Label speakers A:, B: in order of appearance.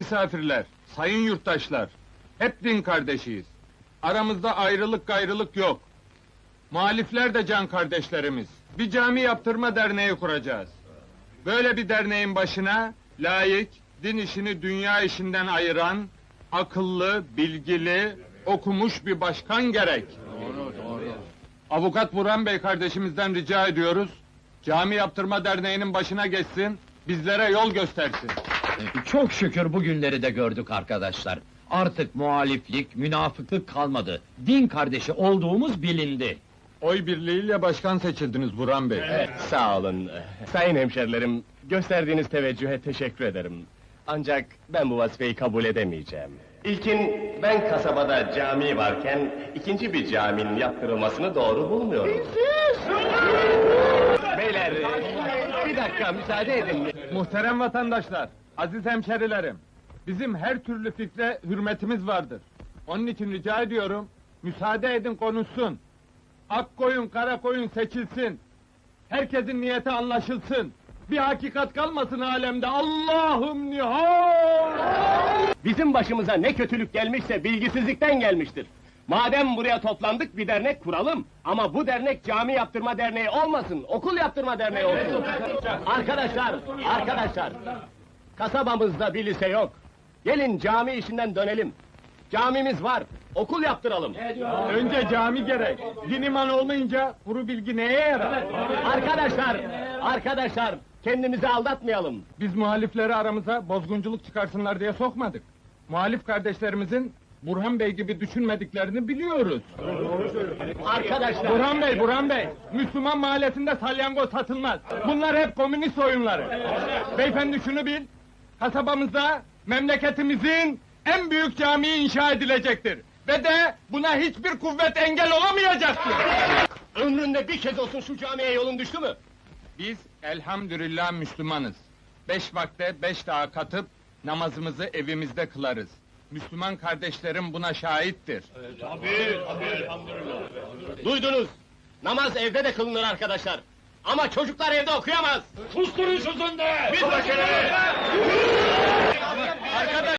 A: misafirler, sayın yurttaşlar, hep din kardeşiyiz. Aramızda ayrılık gayrılık yok. Muhalifler de can kardeşlerimiz. Bir cami yaptırma derneği kuracağız. Böyle bir derneğin başına layık, din işini dünya işinden ayıran, akıllı, bilgili, okumuş bir başkan gerek. Avukat Burhan Bey kardeşimizden rica ediyoruz, cami yaptırma derneğinin başına geçsin, bizlere yol göstersin.
B: Çok şükür bugünleri de gördük arkadaşlar. Artık muhaliflik, münafıklık kalmadı. Din kardeşi olduğumuz bilindi.
A: Oy birliğiyle başkan seçildiniz Burhan Bey.
C: Sağ olun. Sayın hemşerilerim, gösterdiğiniz teveccühe teşekkür ederim. Ancak ben bu vazifeyi kabul edemeyeceğim. İlkin, ben kasabada cami varken, ikinci bir caminin yaptırılmasını doğru bulmuyorum. Beyler, bir dakika müsaade edin.
A: Muhterem vatandaşlar, aziz hemşerilerim, bizim her türlü fikre hürmetimiz vardır. Onun için rica ediyorum, müsaade edin konuşsun. Ak koyun, kara koyun seçilsin. Herkesin niyeti anlaşılsın. Bir hakikat kalmasın alemde. Allah'ım nihal!
C: Bizim başımıza ne kötülük gelmişse bilgisizlikten gelmiştir. Madem buraya toplandık bir dernek kuralım. Ama bu dernek cami yaptırma derneği olmasın, okul yaptırma derneği olsun. Arkadaşlar! Kasabamızda bir lise yok. Gelin cami işinden dönelim. Camimiz var, okul yaptıralım.
A: Önce cami gerek. Din iman olmayınca kuru bilgi neye yarar?
C: Arkadaşlar, kendimizi aldatmayalım.
A: Biz muhalifleri aramıza bozgunculuk çıkarsınlar diye sokmadık. Muhalif kardeşlerimizin Burhan Bey gibi düşünmediklerini biliyoruz.
C: Arkadaşlar!
A: Burhan Bey, Müslüman mahallesinde salyangoz satılmaz. Bunlar hep komünist oyunları. Beyefendi şunu bil, kasabamızda memleketimizin en büyük camii inşa edilecektir. Ve de buna hiçbir kuvvet engel olamayacaktır.
C: Ömründe bir kez olsun şu camiye yolun düştü mü?
A: Biz elhamdülillah Müslümanız. 5 vakte 5 daha katıp namazımızı evimizde kılarız. Müslüman kardeşlerim buna şahittir.
C: Duydunuz! Namaz evde de kılınır arkadaşlar. Ama çocuklar evde okuyamaz!
B: Susturun sözünde!
C: Arkadaş!